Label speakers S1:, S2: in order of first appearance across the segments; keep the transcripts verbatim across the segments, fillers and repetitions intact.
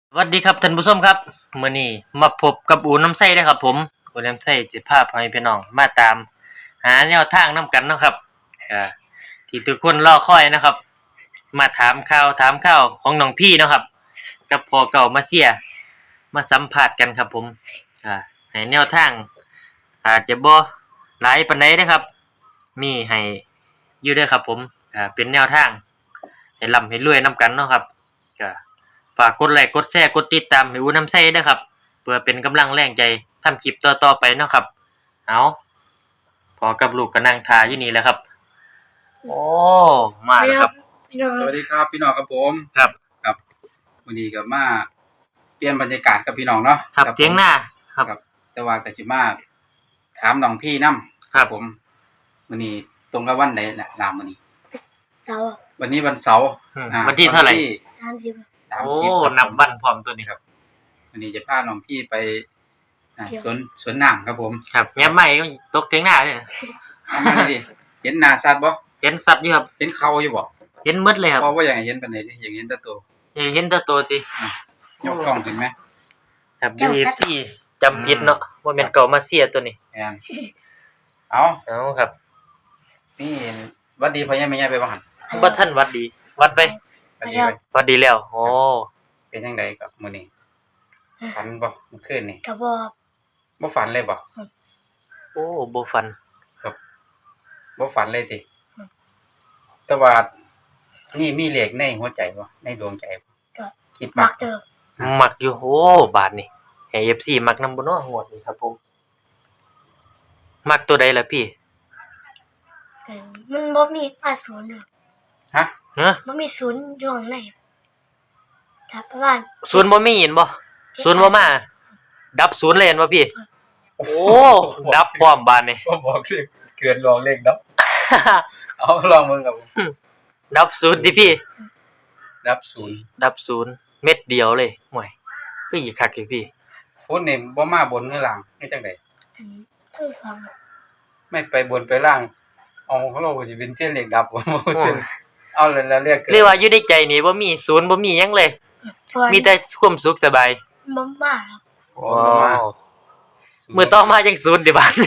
S1: สวัสดีครับท่านผู้ชมครับมื้อนี้มาพบกับอูน้ำไส้เด้อครับผมอูน้ำไส้สิพาพ่อแม่พี่น้องมาตามหาแนวทางนํกันเนาะครับอ่าที่ทุกคนรอคอยนะครับมาถามข่าวถามข่าวของน้องพี่เนาะครับกับพ่อเก่ามาเสียมาสัมภาษณ์กันครับผมอ่าให้แนวทางอาจจะบ่หลายปานใดนะครับมีให้อยู่เด้อครับผมอ่าเป็นแนวทางให้ร่ำให้รวยนํกันเนาะครับก็ฝากกดไลค์กดแชร์กดติดตามให้อูน้ำไส้ด้วยครับเพื่อเป็นกำลังแรงใจทำคลิปต่อๆไปเนาะครับเอาพอกับลูกก็นั่งทาอยู่นี่แหละครับโอ้มาแล้วครับ
S2: สวัสดีครับพี่น้องครับผม
S1: ครับ
S2: ครับวันนี้ก็มาเปลี่ยนบรรยากาศกับพี่น้องเนาะ
S1: ครับเถียงหน้าครับ
S2: แต่ว่าก็สิมาถามน้องพี่นํ
S1: ครับ
S2: ผมวันนี้ตรงกับวันไหนล่ะลามมื้อนี้
S3: เสาร์
S2: วันนี้วันเสาร์
S1: อืม
S2: อ่า
S1: วันที่เท่าไหร่
S3: สามสิบ
S2: สาม
S1: โอ้
S2: สิบครับ
S1: นับวันพร้อมตัวนี้ครับ
S2: วันนี้จะพาน้องพี่ไปอ่า
S3: เที่ยว
S2: สวนสวนน้ำครับผม
S1: ครับแง้มใหม่ก็ตกเถียงหน้าเลย
S2: เอามาดิเห็นหน้าสัตว์บ่
S1: เห็นสัตว์อยู่ครับ
S2: เห็นเขาอยู่บ่
S1: เห็นหมดเลยครับ
S2: เพราะว่าอย่างเห็นปานใดดิอย่างเห็นแต่ตัว
S1: เห็นแต่ตัวสิ
S2: ยกกล้องขึ้นไหม
S1: ครับ ดี เอฟ ซี จำผิดเนาะว่าเป็นเก่ามาเสียตัวนี้
S2: แม่นเอา
S1: เอาครับ
S2: นี่หวัดดีพ่อใหญ่แม่ใหญ่ไปบ่หั่น
S1: บ่ทันวัดดี วัดไป
S2: หวัดดีไป
S1: วัดดีแล้วโอ้
S2: เป็นจังไดกับมื้อนี้ฝันบ่เมื่อคืนนี่
S3: กระบอก
S2: บ่ฝันเลยบ่
S1: โอ้บ่ฟัน
S2: บ่ฝันเลยติ
S3: อืม
S2: แต่ว่านี่มีเลขในหัวใจบ่ในดวงใจบ่
S3: ก็
S2: คิด
S3: มั
S2: มั
S3: ก
S2: ก
S3: เดิม
S1: มักอยู่โอ้บาทนี่ให้ เอฟ ซี มักนำบ่เนาะงวดนี้ครับผมมักตัวใดล่ะพี่
S3: แต่มันบ่มีมาศูนย์เลย
S2: ฮะ
S1: ฮะ
S3: บ่มีศูนย์อยู่ข้างในถ้าประมาณ
S1: ศูนย์บ่มีเห็นบ่ศูนย์บ่มาดับศูนย์เลยเห็นบ่พี่ โอ้ดับพร้อมบาทนี่
S2: บ่บอกเลขเกินรองเลขดับเอาลองมึงกับผม
S1: ดับศูนย์ดิพี่
S2: ดับศูนย์
S1: ดับศูนย์เม็ดเดียวเลยห่วยคืออีกคักอยู่พี่
S2: พุ่นนี่บ่มาบนหรือล่างคือจังได๋
S3: อันทั้งสอง
S2: ไม่ไปบนไปล่างเอาของเราก็สิเป็นเส้นเลขดับบ่บ่เส้นเอาแล้วแล้วเรียกเกิน
S1: เรียกว่าอยู่ในใจนี่บ่มีศูนย์บ่มีหยังเลย
S3: ส่วน
S1: มีแต่ความสุขสบาย
S3: บ่มาครับ
S2: โอ้บ่มา
S1: มื้อต่อมาจังศูนย์ดิบาด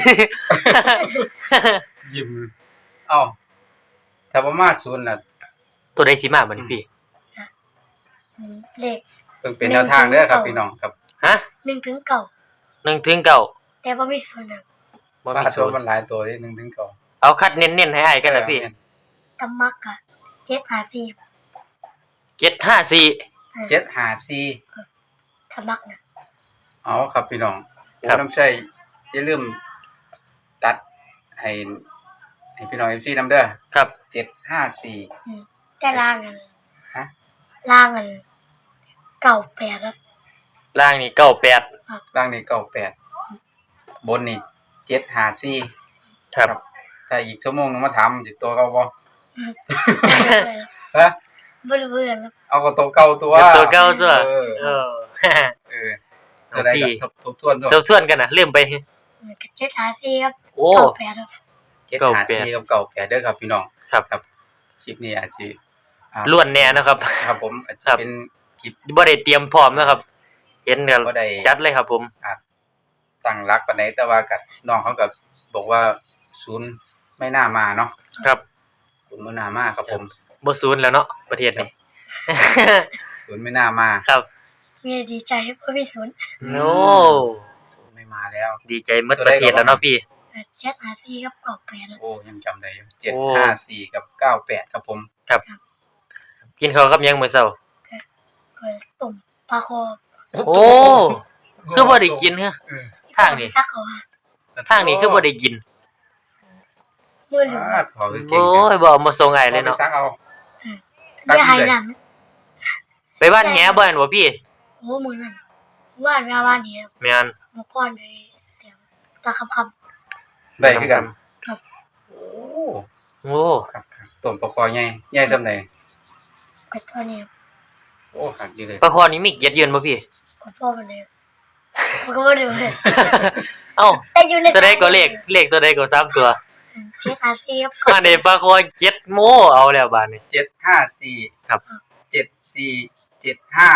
S2: ยิ้มเอ้าถ้าบ่มาศูนย์น่ะ
S1: ตัวใดสิมาบัดนี้พี่
S3: อืมเลข
S2: เพิ่งเป็นแนวทางเด้อครับพี่น้องครับ
S1: ฮะ
S3: หนึ่งถึงเก้า
S1: หนึ่งถึงเก้า
S3: แต่บ่มีศูนย์นะ
S1: บ่
S2: ว่า
S1: มี
S2: ตั
S1: ศู
S2: วน
S1: ย์
S2: มันหลายตัวนิดนึงถึงเก่า
S1: เอาคัดเน้นๆให้อ้ายกันนะพี่
S3: กำมักอะเจ็ดหาสี่
S1: เจ็ดห้าสี่
S2: เจ็ดห้าสี่
S3: ถ้ามักนะ
S2: เอาครับพี่น้อง
S1: ครับ
S2: โอ้น้ำใช่อย่าลืมตัดให้ให้พี่น้อง เอฟ ซี นำเด้อ
S1: ครับ
S2: เจ็ดห้าสี่
S3: อืมแต่ล่างอัน
S2: ฮะ
S3: ล่างอันเก้าแปดครับ
S1: ล่างนี่เก้าแปด
S2: ล่างนี่เก้าแปดบนนี่เจ็ดห้าสี่
S1: ครับ
S2: ถ้าอีกชั่วโมงนึงมาถามสิตัวเก่าบ่
S3: อืม
S2: ฮะ
S3: บ่รู้เรื่องครับ
S2: เอาก็ตัวเก่าตัว
S1: เป็นตัวเก่าตัว
S2: เออ
S1: เออ
S2: เออตัวใด
S1: พี่
S2: ก็ทบทบทวนตัว
S1: ทบทวนกันนะลืมไป
S3: อืมก็เจ็ดหาสี่ครับ
S1: โอ้
S3: เก้าแปดครับ
S2: เจ็ดห้าสี่กับเก้าแปดเด้อครับพี่น้อง
S1: ครับ
S2: ครับคลิปนี้อาจสิอ่า
S1: ล้วนแน่นะครับ
S2: ครับผมอาจจะ
S1: ครับ
S2: เป็นคลิป
S1: บ่ได้เตรียมพร้อมนะครับ เห็นกัน
S2: บ่ได้
S1: จัดเลยครับผม
S2: ตั้งรักปานใดแต่ว่ากับน้องเขาก็บอกว่าศูนย์ไม่น่ามาเนาะ
S1: ครับ
S2: ศูนย์ไม่น่ามาครับผม
S1: บ่ศูนย์แล้วเนาะประเทศนี้
S2: ศูนย์ไม่น่ามา
S1: ครับ
S3: มีดีใจครับบ่มีศูนย์
S1: โอ้
S2: ศูนย์ไม่มาแล้ว
S1: ดีใจหมดประเทศแล้วเนาะพี่
S3: เออเจ็ดหาสี่ครับเก้าแปดครับ
S2: โอ้ยังจำได้อยู่เจ็ด
S1: โอ้
S2: ห้าสี่กับเก้าแปดครับผม
S1: กินข้าวกับหยังมื้อเช้า
S3: ก็ต้มปลาคอ
S1: โอ้คือบ่ได้กินเหรอ
S2: เออ
S1: ทางนี้
S3: ซักเขาว่า
S1: ทางนี้คือบ่ได้กิน
S3: มื้อหนึง
S2: อ่าถอดไปเก่ง
S1: โอ้ยบ่เอามาส่งอ้ายเลย
S2: ไป
S1: เนาะ
S2: ซักเอา
S3: เดี๋ยวให้นั่น
S1: ไปบ้านแหบ่แม่นบ่พี่
S3: โอ้มื้อนั้นว่านมาว่านนี้ครับ
S1: แม่น
S3: เมื่อก่อนเลยเสียงตาคำคำ
S2: ได้คือกัน
S3: ครับ
S2: โอ้
S1: โอ้
S2: ครับครับต้มปลาคอใหญ่ใหญ่ซำใด
S3: กดตัวนี้ครับ
S2: โอ้หักอยู่เลย
S1: ปลาคอนี่มีเกียรติยืนบ่พี่
S3: กดพ่อมันเลยมันก็บ่ได้เลย
S1: เอ้า
S3: แต่อยู่ใน
S1: ตัวใดก็เลขเลขตัวใดก็สามตัว
S3: เจ็ดหาสี่ครับ
S1: มาในปลาคอเจ็ดโมเอาแล้วบาดนี้
S2: เจ็ดห้าสี่
S1: ครับ
S2: เจ็ดสี่เจ็ดห้า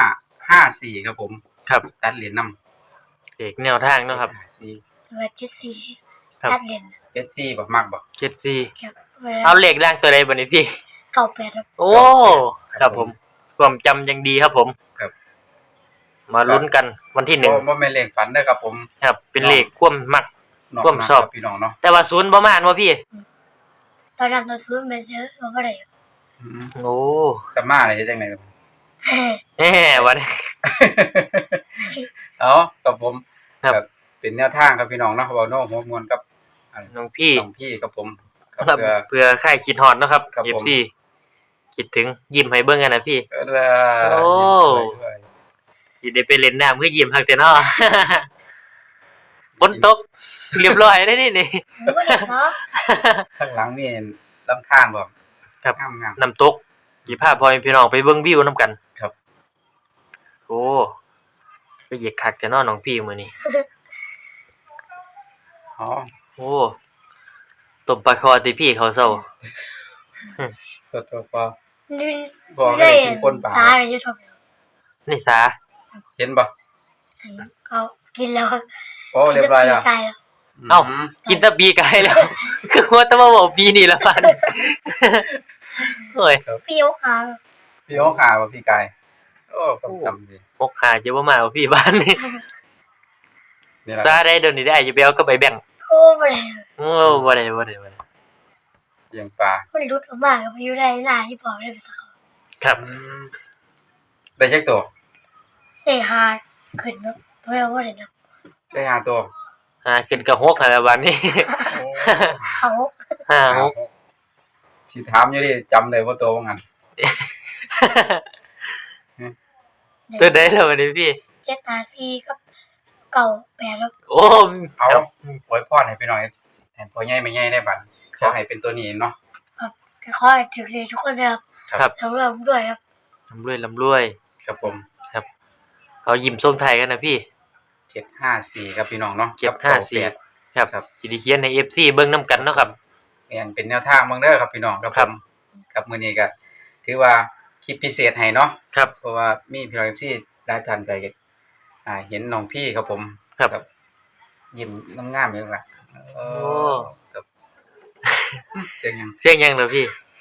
S2: ห้าสี่ครับผม
S1: ครับ
S2: ตัดเหรียญนำ
S1: เด็กแนวทางเนาะครับ
S2: สี่
S3: เวลาเจ็ดสี่
S1: ครับ
S3: ตัดเล่น
S2: เจ็ดสี่บ่มักบ่
S1: เจ็ดสี่
S3: ครับเวลา
S1: เอาเลขล่างตัวใดบัดนี้พี่
S3: เก้าแปดครับ
S1: โอ้ครับผมความจำยังดีครับผม
S2: ครับ
S1: มาลุ้นกันวันที่หนึ่ง
S2: บ่บ่แม่นเลขฝันเด้อครับผม
S1: ครับ เป็นเลขความมัก
S2: นอก
S1: ร่วม
S2: นั้น
S1: สอบ
S2: ครับพี่น้องเนาะ
S1: แต่ว่าศูนย์ประมาณว่าพี่
S3: ตอนนั้นเราซื้อมาเยอะเราก็ได้
S2: อืม
S1: โอ้
S2: แต่มาได้จังได๋ครับ
S1: แหมวันนี้
S2: เอากับผม
S1: ครับ
S2: ครับเป็นแนวทางครับพี่น้องเนาะเว้าโน้หัวมวนกับอัน
S1: น้องพี่
S2: น้องพี่ครับผมครับ
S1: ครับ
S2: เพื่อ
S1: เพื่อค่ายคิดฮอดเนาะครับ
S2: ครับผม
S1: เอฟ ซี คิดถึงยิ้มให้เบิ่งกันนะพี่
S2: เออ
S1: โอ้
S2: ด้วย
S1: สิได้ไปเล่นน้ำคือยิ้มฮักแต่เนาะ ฝนตกเรียบร้อยได้นี่นี่
S3: ไม่ได้เนาะ
S2: ข้างหลังนี่ลำธารบ่
S1: ครับ
S2: งาม
S1: น้ำตกสิพาพ่อแม่พี่น้องไปเบิ่งวิวนํกัน
S2: ครับ
S1: โอ้ไปเหยียกคักแต่เนาะน้องพี่มื้อนี้
S2: ๆอ๋อ
S1: โอ้ตบปลาคอติพี่เขาเศร้า
S2: ตัวตัวพอ
S3: นี่
S2: บ่
S3: ไม่
S2: ได้
S3: ได้
S2: กินป่นปลา
S3: สาอะไรอยู่ทบ
S1: นี่สา
S2: เห็นบ่
S3: เขากินแล้ว
S2: โอ้เรียบร้อยแล้ว
S3: กินแต่ปีกไก่แล้ว
S1: เอ้า กินแตะปีกายแล้ว คือว่าแตะมาบอกปีนี่ละพัน โอ้ย
S3: เปรี้ยวขาว
S2: พี่โอ้ขาบ่พี่กายโอ้ผมจำดี
S1: พกขาจะบ่มาเอาพี่บ้านนี่
S2: นี่ล่ะ
S1: ซาได้เดี๋ยวนี้ได้จะไปเอาก็ไปแบ่ง
S3: โอ้ไม่ได้
S1: โอ้บ่ได้บ่ได้บ่ได้
S2: เลี้ยงปลา
S3: มันรุดออกมาก็ไปอยู่ได้หน้าที่บอกได้ไปสักค
S1: ครับ
S2: อืมได้จักตัว
S3: ำได้หาขึ้นเนาะเพราะว่าได้เนาะ
S2: ได้ห้าตัว
S1: อ่าขึ้นกระหกหั่นล่ะบัดนี้
S2: โอ้
S3: เขา
S1: ห้าหก
S2: สิถามอยู่ดิจำได้บ่ตัวว่างั้น
S1: ตัวใดแล้วบัดนี้พี่
S3: เจ็ดหาสี่ก็เก่าแปดแล้ว
S1: โอ้
S2: เอา
S1: ครับ
S2: อวยพรให้พี่น้องให้พ่อใหญ่แม่ใหญ่ได้บัดขอให้เป็นตัวนี้เนาะ
S3: ก็ขอให้ถึงเลยทุกคนนะครับ
S1: ครับ
S3: สำหรับผมด้วยครับ
S1: ลำรวยลำรวย
S2: ครับผม
S1: เอายิ้มทรงไทยกันนะพี่
S2: เจ็ดห้าสี่ครับพี่น้องเนาะ
S1: เจ็ดห้าสี่
S2: กับ
S1: ครับ
S2: ครับ
S1: สิได้เขียนใน เอฟ ซี เบิ่งนํกันเนาะครับ
S2: แม่นเป็นแนวทางเบิ่งเด้อครับพี่น้องครับ
S1: ค
S2: ผ
S1: รับ
S2: มครับมื้อนี้ก็ถือว่าคลิปพิเศษให้เนาะ
S1: ครับ
S2: เพราะว่ามีพี่น้อง เอฟ ซี หลายท่านก็อ่าเห็นน้องพี่ครับผม
S1: ครับ
S2: ยิ้มงามๆอยู่ล่ะโอ้ครับเสียงหยัง
S1: เสียงยังเด้อพี่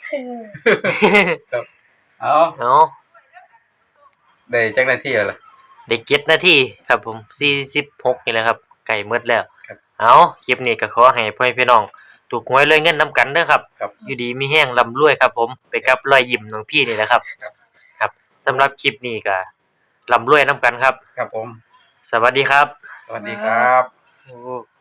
S2: เอา
S1: เอา
S2: ได้จักนาทีแล้วล่ะ
S1: ได้เจ็ดนาทีครับผมสี่สิบหกนี่แหละครับไก่หมดแล้ว
S2: ครับ
S1: เอาคลิปนี้ก็ขอให้พ่อแม่พี่น้องถูกหวยรวยเงินนํกันเด้อครับ
S2: ครับ
S1: อยู่ดีมีแห้งร่ำรวยครับผมไปกับรอยยิ้มน้องพี่นี่แหละครับ
S2: ครับ
S1: ครับสำหรับคลิปนี้ก็ร่ำรวยนํกันครับ
S2: ครับผม
S1: สวัสดีครับ
S2: สวัสดีครับ
S1: โอ้